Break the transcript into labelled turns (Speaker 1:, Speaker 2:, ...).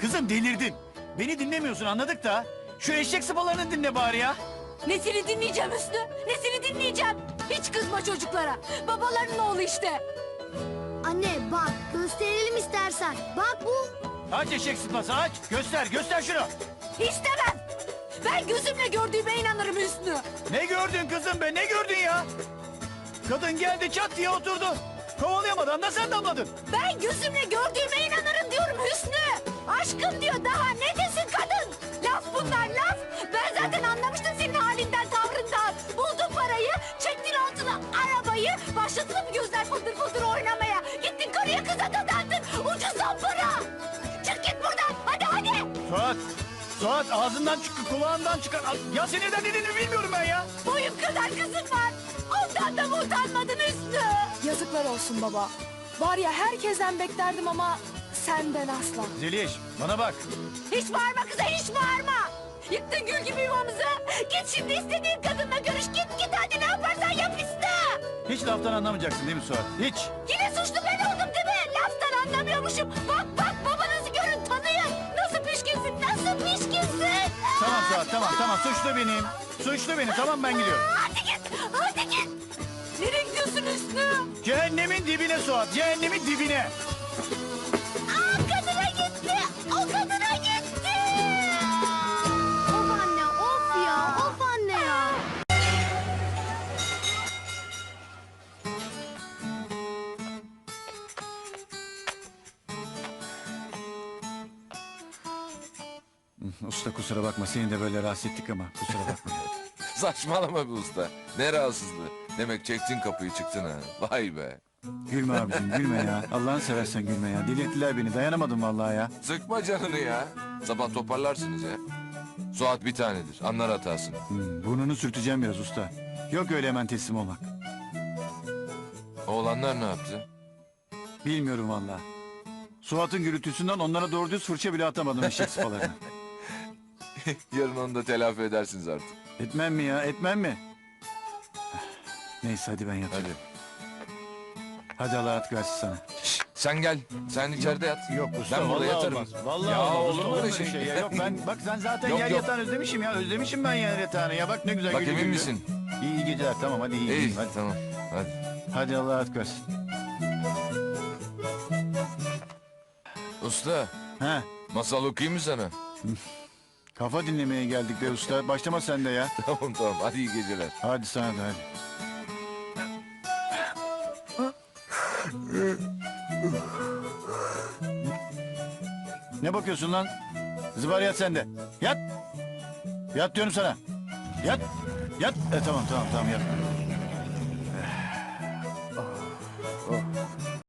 Speaker 1: Kızım delirdin. Beni dinlemiyorsun anladık da. Şu eşek sıpalarını dinle bari ya.
Speaker 2: Nesini dinleyeceğim Hüsnü? Nesini dinleyeceğim? Hiç kızma çocuklara. Babaların oğlu işte.
Speaker 3: Anne bak gösterelim istersen. Bak bu.
Speaker 1: Aç eşek sıpası aç. Göster şunu.
Speaker 2: İstemem. Ben gözümle gördüğüme inanırım Hüsnü.
Speaker 1: Ne gördün kızım be ne gördün ya? Kadın geldi çat diye oturdu. Kovalayamadan da sen damladın.
Speaker 2: Ben gözümle gördüğüme inanırım diyorum Hüsnü. Aşkım diyor daha ne desin kadın? Laf bunlar laf. Ben zaten anlamıştım senin halinden tavrından. Buldun parayı, çektin altına arabayı, başladın bu gözler fıldır fıldır oynamaya. Gittin karıya kıza dadandın. Ucuzdan para. Çık git buradan hadi.
Speaker 1: Suat ağzından çıktı kulağından çıkar. Ya sen neden dediğini bilmiyorum ben ya.
Speaker 2: Boyum kadar kızın var. Ondan da mı utanmadın Hüsnü?
Speaker 4: Yazıklar olsun baba. Var ya herkesten beklerdim ama senden asla.
Speaker 1: Zeliş bana bak.
Speaker 2: Hiç bağırma kıza hiç bağırma. Yıktın gül gibi yuvamızı. Git şimdi istediğin kadınla görüş git hadi ne yaparsan yap iste.
Speaker 1: Hiç laftan anlamayacaksın değil mi Suat? Hiç.
Speaker 2: Yine suçlu ben oldum değil mi? Laftan anlamıyormuşum. Bak babanızı görün tanıyın. Nasıl pişkinsin nasıl pişkinsin.
Speaker 1: Tamam Suat tamam suçlu benim. Suçlu benim tamam ben gidiyorum.
Speaker 2: Hadi git. Nereye gidiyorsun Hüsnü?
Speaker 1: Cehennemin dibine Suat cehennemin dibine.
Speaker 2: Kadına gitti. O kadına gitti.
Speaker 3: Of anne of ya of anne ya.
Speaker 1: Usta kusura bakma seni de böyle rahatsız ettik ama kusura bakma.
Speaker 5: Saçmalama be usta. Ne rahatsızlığı. Demek çektin kapıyı çıktın ha. Vay be.
Speaker 1: Gülme abicim gülme ya. Allah'ını seversen gülme ya. Delirttiler beni dayanamadım vallahi ya.
Speaker 5: Sıkma canını ya. Sabah toparlarsınız ya. Suat bir tanedir. Anlar hatasını.
Speaker 1: Burnunu sürteceğim biraz usta. Yok öyle hemen teslim olmak.
Speaker 5: Oğlanlar ne yaptı?
Speaker 1: Bilmiyorum vallahi. Suat'ın gürültüsünden onlara doğru düz fırça bile atamadım eşek sıpalarına.
Speaker 5: Yarın onu da telafi edersiniz artık.
Speaker 1: Etmem mi ya etmem mi? Neyse hadi ben yatayım.
Speaker 5: Hadi.
Speaker 1: Hadi Allah rahat versin sana.
Speaker 5: Sen gel. Sen içeride yat.
Speaker 1: Yok usta
Speaker 5: Ben burada
Speaker 1: vallahi
Speaker 5: yatarım.
Speaker 1: olmaz. Vallahi
Speaker 5: Ya
Speaker 1: olmaz
Speaker 5: olur
Speaker 1: usta,
Speaker 5: mu öyle
Speaker 1: öyle
Speaker 5: şey?
Speaker 1: ya? Yok ben bak sen zaten
Speaker 5: Yok,
Speaker 1: yer
Speaker 5: yok.
Speaker 1: yatağını özlemişim ya. Özlemişim ben yer yatağını ya. Bak ne güzel
Speaker 5: Bak
Speaker 1: gülü
Speaker 5: emin
Speaker 1: gülü.
Speaker 5: misin?
Speaker 1: İyi geceler tamam hadi iyi.
Speaker 5: İyi.
Speaker 1: Hadi.
Speaker 5: Tamam. Hadi.
Speaker 1: Hadi Allah rahat versin.
Speaker 5: Usta.
Speaker 1: He.
Speaker 5: Masal okuyayım mı sana?
Speaker 1: Kafa dinlemeye geldik be usta. Başlama sen de ya.
Speaker 5: Tamam. Hadi iyi geceler.
Speaker 1: Hadi sana da hadi. Ne bakıyorsun lan? Zıbar yat sen de. Yat. Yat diyorum sana. Yat. Yat. Tamam yat.